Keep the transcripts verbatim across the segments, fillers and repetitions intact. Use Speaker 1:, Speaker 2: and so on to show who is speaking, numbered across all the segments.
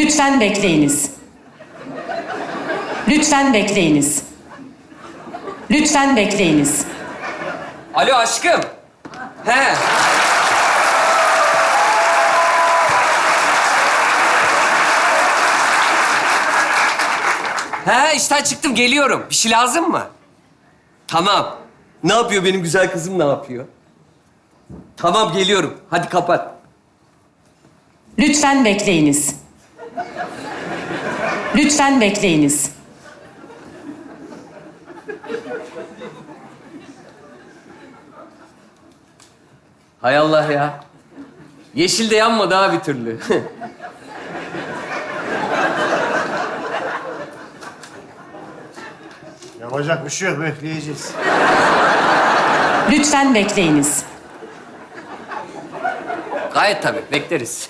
Speaker 1: Lütfen bekleyiniz. Lütfen bekleyiniz. Lütfen bekleyiniz.
Speaker 2: Alo aşkım. He. He, işten çıktım, geliyorum. Bir şey lazım mı? Tamam. Ne yapıyor benim güzel kızım, ne yapıyor? Tamam, geliyorum. Hadi kapat.
Speaker 1: Lütfen bekleyiniz. Lütfen bekleyiniz.
Speaker 2: Hay Allah ya. Yeşil de yanmadı ha bir türlü.
Speaker 3: Yapacak bir şey yok, bekleyeceğiz.
Speaker 1: Lütfen bekleyiniz.
Speaker 2: Gayet tabii, bekleriz.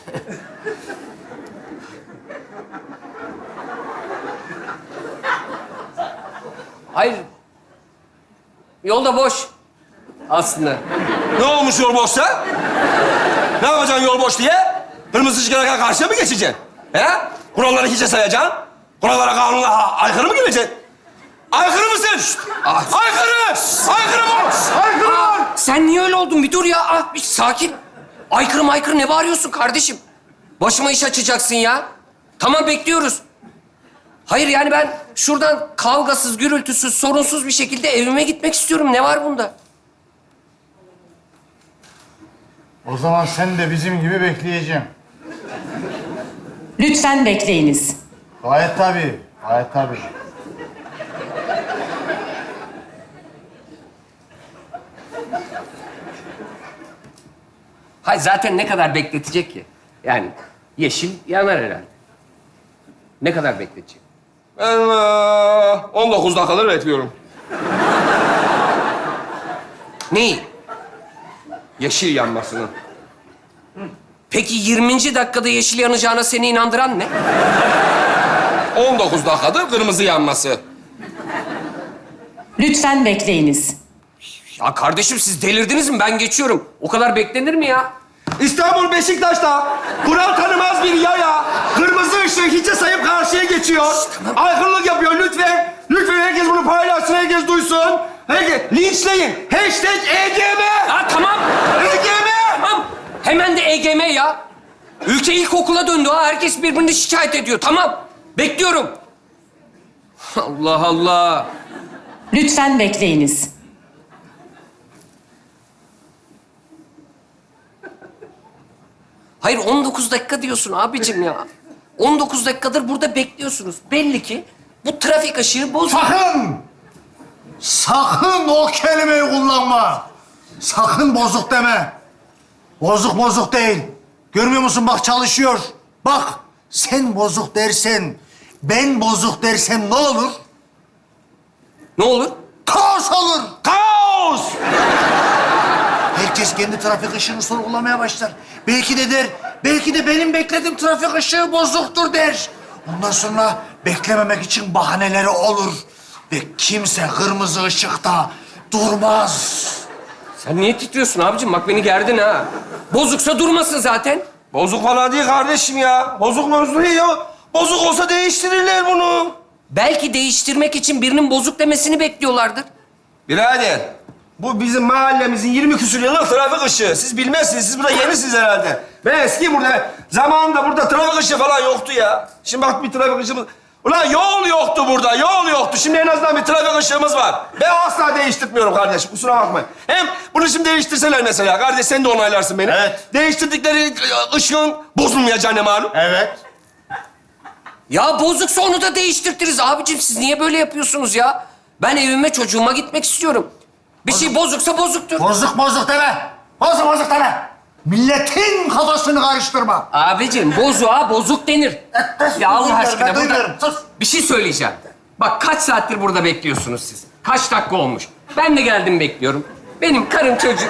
Speaker 2: Hayır. Yolda boş. Aslında.
Speaker 4: Ne olmuş yol boşsa? Ne yapacaksın yol boş diye? Kırmızı ışıklara karşıya mı geçeceksin? He? Kuralları hiçe sayacaksın. Kurallara, kanuna aykırı mı geleceksin? Aykırı mısın? Şşt!
Speaker 2: Ah.
Speaker 4: Aykırı! Aykırı mı? Aykırı
Speaker 2: Aa,
Speaker 4: mı?
Speaker 2: sen niye öyle oldun? Bir dur ya. Ah, bir sakin. Aykırı maykırı ne bağırıyorsun kardeşim? Başıma iş açacaksın ya. Tamam, bekliyoruz. Hayır yani ben şuradan kavgasız, gürültüsüz, sorunsuz bir şekilde evime gitmek istiyorum. Ne var bunda?
Speaker 3: O zaman sen de bizim gibi bekleyeceğim.
Speaker 1: Lütfen bekleyiniz.
Speaker 3: Gayet tabii, gayet tabii.
Speaker 2: Hayır zaten ne kadar bekletecek ki? Yani yeşil yanar herhalde. Ne kadar bekletecek?
Speaker 4: Ben eee, on dokuz dakikadır bekliyorum.
Speaker 2: Neyi?
Speaker 4: Yeşil yanmasını.
Speaker 2: Peki yirminci dakikada yeşil yanacağına seni inandıran ne?
Speaker 4: on dokuz dakikadır kırmızı yanması.
Speaker 1: Lütfen bekleyiniz.
Speaker 2: Ya kardeşim siz delirdiniz mi? Ben geçiyorum. O kadar beklenir mi ya?
Speaker 4: İstanbul Beşiktaş'ta kural tanımaz bir yaya kırmızı ışığı hiçe sayıp karşıya geçiyor. Aykırılık yapıyor lütfen. Lütfen herkes bunu paylaşsın, herkes duysun. Herkes linçleyin. Hashtag E G M.
Speaker 2: Ha tamam.
Speaker 4: E G M.
Speaker 2: Tamam. Hemen de E G M ya. Ülke ilkokula döndü ha. Herkes birbirini şikayet ediyor. Tamam. Bekliyorum. Allah Allah.
Speaker 1: Lütfen bekleyiniz.
Speaker 2: Hayır on dokuz dakika diyorsun abicim ya. on dokuz dakikadır burada bekliyorsunuz. Belli ki bu trafik ışığı bozuk.
Speaker 3: Sakın! Sakın o kelimeyi kullanma. Sakın bozuk deme. Bozuk bozuk değil. Görmüyor musun bak çalışıyor. Bak sen bozuk dersen, ben bozuk dersem ne olur?
Speaker 2: Ne olur?
Speaker 3: Kaos olur.
Speaker 4: Kaos.
Speaker 3: Herkes kendi trafik ışığını sorgulamaya başlar. Belki de der, belki de benim beklediğim trafik ışığı bozuktur der. Ondan sonra beklememek için bahaneleri olur. Ve kimse kırmızı ışıkta durmaz.
Speaker 2: Sen niye titriyorsun abicim? Bak beni gerdin ha. Bozuksa durmasın zaten.
Speaker 4: Bozuk falan değil kardeşim ya. Bozuk mevzu değil ya. Bozuk olsa değiştirirler bunu.
Speaker 2: Belki değiştirmek için birinin bozuk demesini bekliyorlardır.
Speaker 4: Birader, bu bizim mahallemizin yirmi küsur yıllık trafik ışığı. Siz bilmezsiniz, siz burada yenisiniz herhalde. Ben eski burada, zamanında burada trafik ışığı falan yoktu ya. Şimdi bak bir trafik ışığımız... Ulan yol yoktu burada, yol yoktu. Şimdi en azından bir trafik ışığımız var. Ben asla değiştirmiyorum kardeşim, kusura bakmayın. Hem bunu şimdi değiştirseler mesela, kardeş sen de onaylarsın beni.
Speaker 3: Evet.
Speaker 4: Değiştirdikleri ışığın bozulmayacağını malum.
Speaker 3: Evet.
Speaker 2: Ya bozuksa onu da değiştirtiriz abicim. Siz niye böyle yapıyorsunuz ya? Ben evime çocuğuma gitmek istiyorum. Bir şey bozuksa bozuktur.
Speaker 3: Bozuk bozuk deme. Bozuk bozuk deme. Milletin kafasını karıştırma.
Speaker 2: Abicim bozuğa bozuk denir. Ya Allah
Speaker 3: Duymuyorum,
Speaker 2: aşkına
Speaker 3: ben
Speaker 2: burada...
Speaker 3: duymuyorum. Sus.
Speaker 2: Bir şey söyleyeceğim. Bak kaç saattir burada bekliyorsunuz siz. Kaç dakika olmuş. Ben de geldim bekliyorum. Benim karım çocuğum...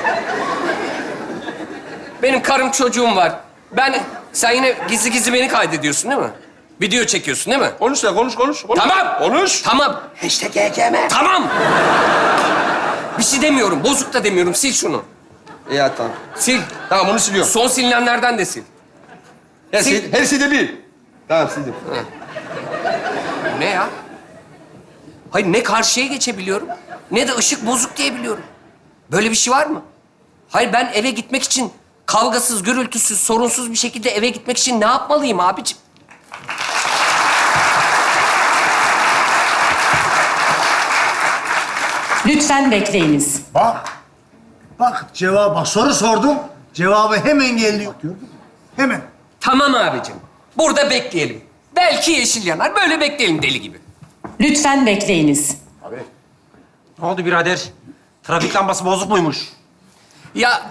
Speaker 2: Benim karım çocuğum var. Ben... Sen yine gizli gizli beni kaydediyorsun değil mi? Video çekiyorsun değil mi?
Speaker 4: Konuş sen, konuş, konuş. konuş.
Speaker 2: Tamam.
Speaker 4: Konuş.
Speaker 2: Tamam. Hashtag E G M. Tamam. Bir şey demiyorum. Bozuk da demiyorum. Sil şunu.
Speaker 4: İyi hadi tamam.
Speaker 2: Sil.
Speaker 4: Tamam bunu siliyorum.
Speaker 2: Son silinenlerden de sil.
Speaker 4: Her,
Speaker 2: Sil.
Speaker 4: şey, her şeyde bir. Tamam sildim.
Speaker 2: Ne ya? Hayır ne karşıya geçebiliyorum ne de ışık bozuk diyebiliyorum. Böyle bir şey var mı? Hayır ben eve gitmek için kavgasız, gürültüsüz, sorunsuz bir şekilde eve gitmek için ne yapmalıyım abicim?
Speaker 1: Lütfen bekleyiniz.
Speaker 3: Bak. Bak cevap bak. Soru sordum. Cevabı hemen geldi. Gördün mü? Hemen.
Speaker 2: Tamam abicim. Burada bekleyelim. Belki yeşil yanar. Böyle bekleyelim deli gibi.
Speaker 1: Lütfen bekleyiniz.
Speaker 5: Ne oldu birader? Trafik lambası bozuk muymuş?
Speaker 2: Ya...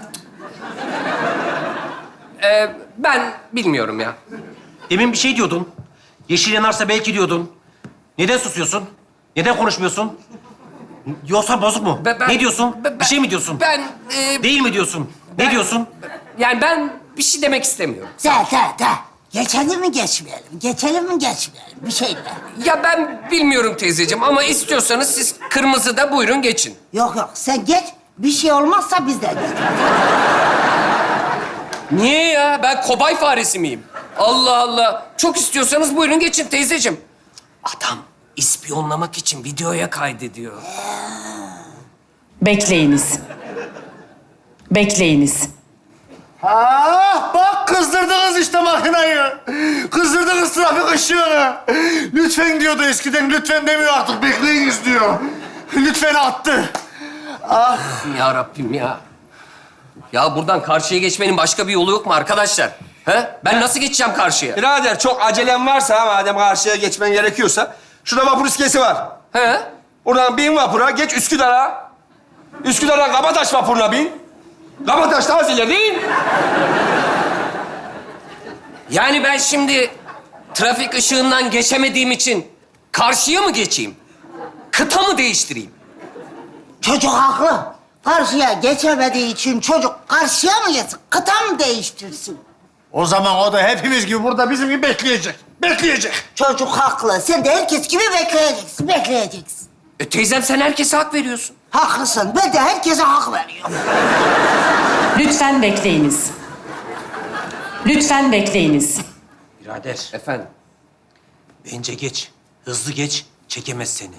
Speaker 2: Ee, ben bilmiyorum ya.
Speaker 5: Demin bir şey diyordun. Yeşil yanarsa belki diyordun. Neden susuyorsun? Neden konuşmuyorsun? Yoksa bozuk mu?
Speaker 2: Ben- ben-
Speaker 5: ne diyorsun?
Speaker 2: ben-
Speaker 5: bir şey mi diyorsun?
Speaker 2: Ben... e,
Speaker 5: Değil mi diyorsun?
Speaker 2: ben-
Speaker 5: Ne diyorsun?
Speaker 2: Yani ben bir şey demek istemiyorum.
Speaker 6: De de de. Geçelim mi geçmeyelim? Geçelim mi geçmeyelim? Bir şey de.
Speaker 2: Ya ben bilmiyorum teyzeciğim ama istiyorsanız siz kırmızıda buyurun geçin.
Speaker 6: Yok yok sen geç. Bir şey olmazsa biz de geç.
Speaker 2: Niye ya? Ben kobay faresi miyim? Allah Allah. Çok istiyorsanız buyurun geçin teyzeciğim. Adam ispiyonlamak için videoya kaydediyor.
Speaker 1: Bekleyiniz. Bekleyiniz.
Speaker 3: Ah bak kızdırdınız işte makinayı. Kızdırdınız trafik ışığını. Lütfen diyordu eskiden. Lütfen demiyor artık. Bekleyiniz diyor. Lütfen attı. Ah.
Speaker 2: Ya Rabbim ya. Ya buradan karşıya geçmenin başka bir yolu yok mu arkadaşlar? He? Ben nasıl geçeceğim karşıya?
Speaker 4: Birader çok acelem varsa madem karşıya geçmen gerekiyorsa... ...şurada vapur iskelesi var.
Speaker 2: He?
Speaker 4: Oradan bin vapura, geç Üsküdar'a. Üsküdar'dan Kabataş vapuruna bin. Kabataş daha az ileri.
Speaker 2: Yani ben şimdi trafik ışığından geçemediğim için karşıya mı geçeyim? Kıta mı değiştireyim?
Speaker 6: Çocuk haklı. Karşıya geçemediği için çocuk karşıya mı geçsin? Kıta mı değiştirsin?
Speaker 3: O zaman o da hepimiz gibi burada bizim gibi bekleyecek. Bekleyecek.
Speaker 6: Çocuk haklı. Sen de herkes gibi bekleyeceksin. Bekleyeceksin.
Speaker 2: E teyzem sen herkese hak veriyorsun.
Speaker 6: Haklısın. Ben de herkese hak veriyorum.
Speaker 1: Lütfen bekleyiniz. Lütfen bekleyiniz.
Speaker 5: Birader,
Speaker 2: Efendim?
Speaker 5: bence geç. Hızlı geç, çekemez seni.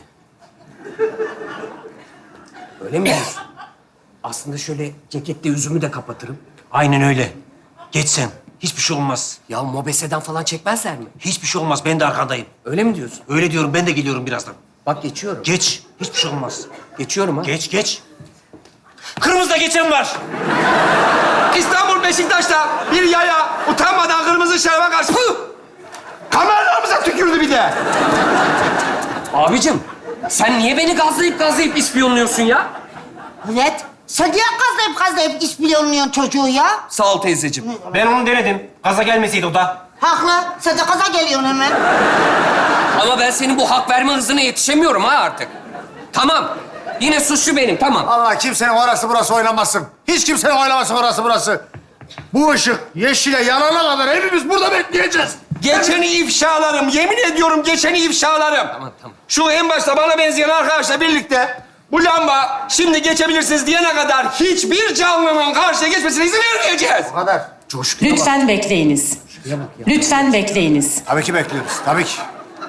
Speaker 2: Öyle mi diyorsun? Aslında şöyle ceketle yüzümü de kapatırım.
Speaker 5: Aynen öyle. Geç sen. Hiçbir şey olmaz.
Speaker 2: Ya mobeseden falan çekmezler mi?
Speaker 5: Hiçbir şey olmaz. Ben de arkandayım.
Speaker 2: Öyle mi diyorsun?
Speaker 5: Öyle diyorum. Ben de geliyorum birazdan.
Speaker 2: Bak geçiyorum.
Speaker 5: Geç. Hiçbir şey olmaz.
Speaker 2: Geçiyorum ha.
Speaker 5: Geç, geç. Kırmızıda geçen var.
Speaker 4: İstanbul Beşiktaş'ta bir yaya utanmadan kırmızı şerbe karşı... Püh! Kameralarımıza tükürdü bir de.
Speaker 2: Abicim sen niye beni gazlayıp gazlayıp ispiyonluyorsun ya?
Speaker 6: Evet. Sen niye gazlayıp gazlayıp iş milyonluyorsun çocuğu ya?
Speaker 2: Sağ ol teyzeciğim.
Speaker 5: Ben onu denedim. Gaza gelmeseydi o da.
Speaker 6: Haklı. Sen de gaza geliyorsun hemen.
Speaker 2: Ama ben senin bu hak verme hızına yetişemiyorum ha artık. Tamam. Yine suçlu benim tamam.
Speaker 3: Allah kimsenin orası burası oynamasın. Hiç kimsenin oynamasın orası burası. Bu ışık yeşile yanana kadar hepimiz burada bekleyeceğiz.
Speaker 4: Geçeni ifşalarım. Yemin ediyorum geçeni ifşalarım.
Speaker 2: Tamam, tamam.
Speaker 4: Şu en başta bana benzeyen arkadaşla birlikte bu lamba şimdi geçebilirsiniz diyene kadar hiçbir canlının karşıya geçmesine izin vermeyeceğiz.
Speaker 3: Bu kadar. Coşkuya bak.
Speaker 1: Lütfen bekleyiniz. Lütfen bekleyiniz.
Speaker 3: Tabii ki bekliyoruz. Tabii ki.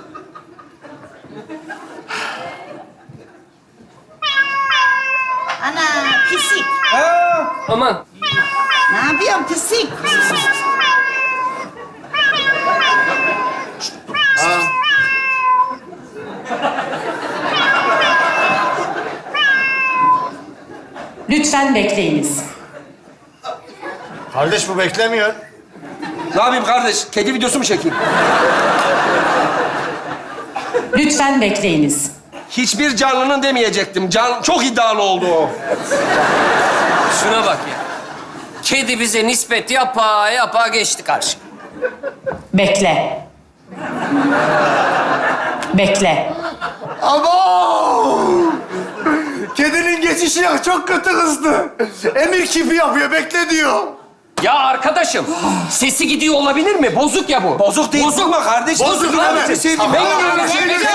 Speaker 6: Ana pisik.
Speaker 2: Aman.
Speaker 6: Ne yapıyorsun pisik?
Speaker 1: Lütfen bekleyiniz.
Speaker 3: Kardeş bu beklemiyor.
Speaker 4: Ne yapayım kardeş? Kedi videosu mu çekeyim?
Speaker 1: Lütfen bekleyiniz.
Speaker 4: Hiçbir canlının demeyecektim. Can çok iddialı oldu o.
Speaker 2: Şuna bak ya. Kedi bize nispet yapa yapa geçti karşı.
Speaker 1: Bekle. Bekle.
Speaker 3: Abo! Kedinin geçişi yok. Çok kötü kızdı. Emir kipi yapıyor. Bekle diyor.
Speaker 2: Ya arkadaşım, sesi gidiyor olabilir mi? Bozuk ya bu.
Speaker 4: Bozuk değil. Bozuk mu kardeş?
Speaker 2: Bozuk abi.
Speaker 3: evet.
Speaker 2: Sesi
Speaker 3: Tamam.
Speaker 2: Ben
Speaker 3: Şey-
Speaker 2: Ben-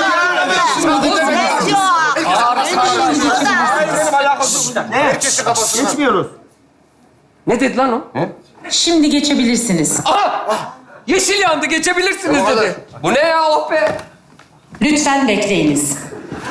Speaker 4: Benim alakası yok. Ne?
Speaker 3: Herkesi kafasına.
Speaker 4: Geçmiyoruz.
Speaker 2: Ne dedi lan o?
Speaker 1: Şimdi geçebilirsiniz.
Speaker 2: Aha! Yeşil yandı, geçebilirsiniz
Speaker 3: O kadar.
Speaker 2: dedi. Bu ne ya, oh be?
Speaker 1: Lütfen bekleyiniz.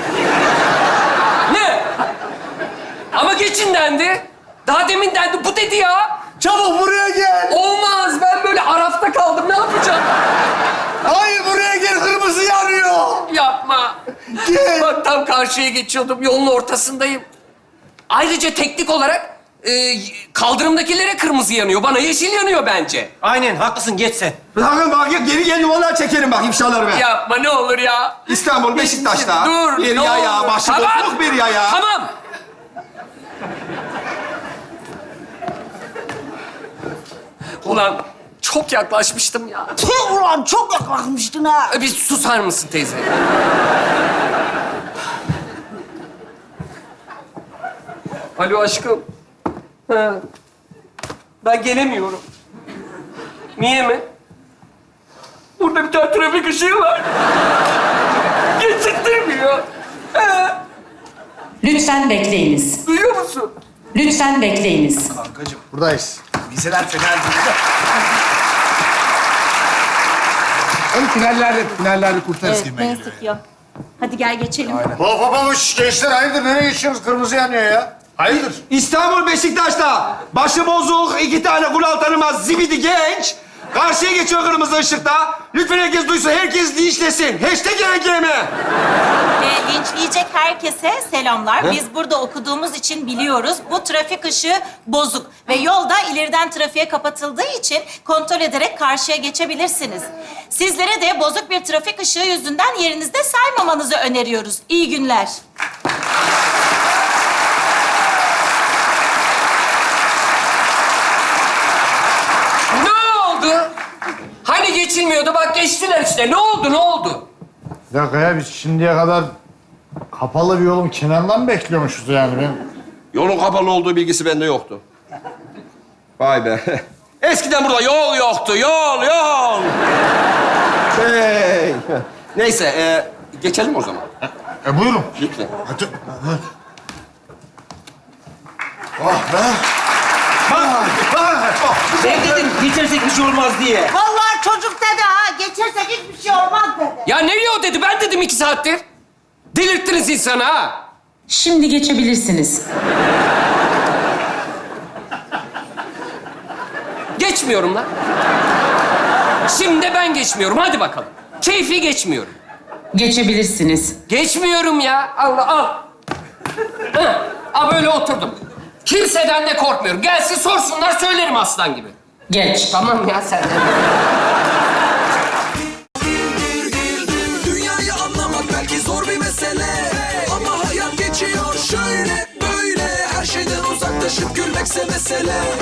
Speaker 2: Ne? Ama geçin dendi. Daha demin dendi, bu dedi ya.
Speaker 3: Çabuk buraya gel.
Speaker 2: Olmaz, ben böyle arafta kaldım, ne yapacağım?
Speaker 3: Hayır buraya gel, kırmızı yanıyor.
Speaker 2: Yapma.
Speaker 3: Gel.
Speaker 2: Bak tam karşıya geçiyordum, yolun ortasındayım. Ayrıca teknik olarak e, kaldırımdakilere kırmızı yanıyor, bana yeşil yanıyor bence.
Speaker 5: Aynen, haklısın. Geç sen.
Speaker 4: Bakın bak geri gel vallahi çekerim bak ifşaları ben.
Speaker 2: Yapma ne olur ya.
Speaker 4: İstanbul Beşiktaş'ta.
Speaker 2: Dur.
Speaker 4: Bir
Speaker 2: ne
Speaker 4: yaya,
Speaker 2: olur.
Speaker 4: başı
Speaker 2: Tamam.
Speaker 4: bozuk bir yaya.
Speaker 2: Tamam. Ulan çok yaklaşmıştım ya.
Speaker 6: Tüh ulan çok yaklaşmıştın ha.
Speaker 2: Bir susar mısın teyze? Alo aşkım. Ha. Ben gelemiyorum. Niye mi? Burada bir tane trafik ışığı var. Geçirttirmiyor. Ha.
Speaker 1: Lütfen bekleyiniz.
Speaker 2: Duyuyor musun?
Speaker 1: Lütfen bekleyiniz.
Speaker 3: Buradayız.
Speaker 4: Vizeler fena değil.
Speaker 3: Hadi finallerde, finallerde kurtarız
Speaker 7: Evet,
Speaker 3: gibi
Speaker 7: neyse
Speaker 3: geliyor.
Speaker 7: ki yok. Hadi gel geçelim.
Speaker 3: Hop hop hop, şş, gençler hayırdır, nereye geçiyorsunuz? Kırmızı yanıyor ya. Hayırdır?
Speaker 4: İstanbul Beşiktaş'ta başı bozuk iki tane kural tanımaz zibidi genç karşıya geçiyor kırmızı ışıkta. Lütfen herkes duysun, herkes linçlesin. Hashtag E G M.
Speaker 7: Ve linçleyecek herkese selamlar. Biz burada okuduğumuz için biliyoruz. Bu trafik ışığı bozuk. Ve yolda ileriden trafiğe kapatıldığı için kontrol ederek karşıya geçebilirsiniz. Sizlere de bozuk bir trafik ışığı yüzünden yerinizde saymamanızı öneriyoruz. İyi günler.
Speaker 2: Ne oldu? Hani geçilmiyordu, bak geçtiler işte. Ne oldu, ne oldu?
Speaker 3: Bir dakika ya, biz şimdiye kadar kapalı bir yolun kenarından mı bekliyormuşuz yani? Ben...
Speaker 4: Yolun kapalı olduğu bilgisi bende yoktu. Vay be. Eskiden burada yol yoktu, yol, yol. Hey. Neyse, e, geçelim o zaman.
Speaker 3: E buyurun.
Speaker 4: Lütfen.
Speaker 3: Hadi. Oh be.
Speaker 5: Ben dedim geçersek bir şey olmaz diye.
Speaker 6: Vallahi çocuk dedi ha. Geçersek hiçbir şey olmaz dedi.
Speaker 2: Ya ne o dedi, ben dedim iki saattir. Delirttiniz insanı ha.
Speaker 1: Şimdi geçebilirsiniz.
Speaker 2: Geçmiyorum lan. Şimdi de ben geçmiyorum, hadi bakalım. Keyfi geçmiyorum.
Speaker 1: Geçebilirsiniz.
Speaker 2: Geçmiyorum ya. Allah al. Hı. Al böyle oturdum. Kimseden de korkmuyorum. Gelsin sorsunlar, söylerim aslan gibi.
Speaker 1: Geç.
Speaker 2: Tamam ya sen de.
Speaker 8: Dünyayı anlamak belki zor bir mesele, ama hayat geçiyor şöyle böyle. Her şeyden uzaklaşıp gülmekse mesele.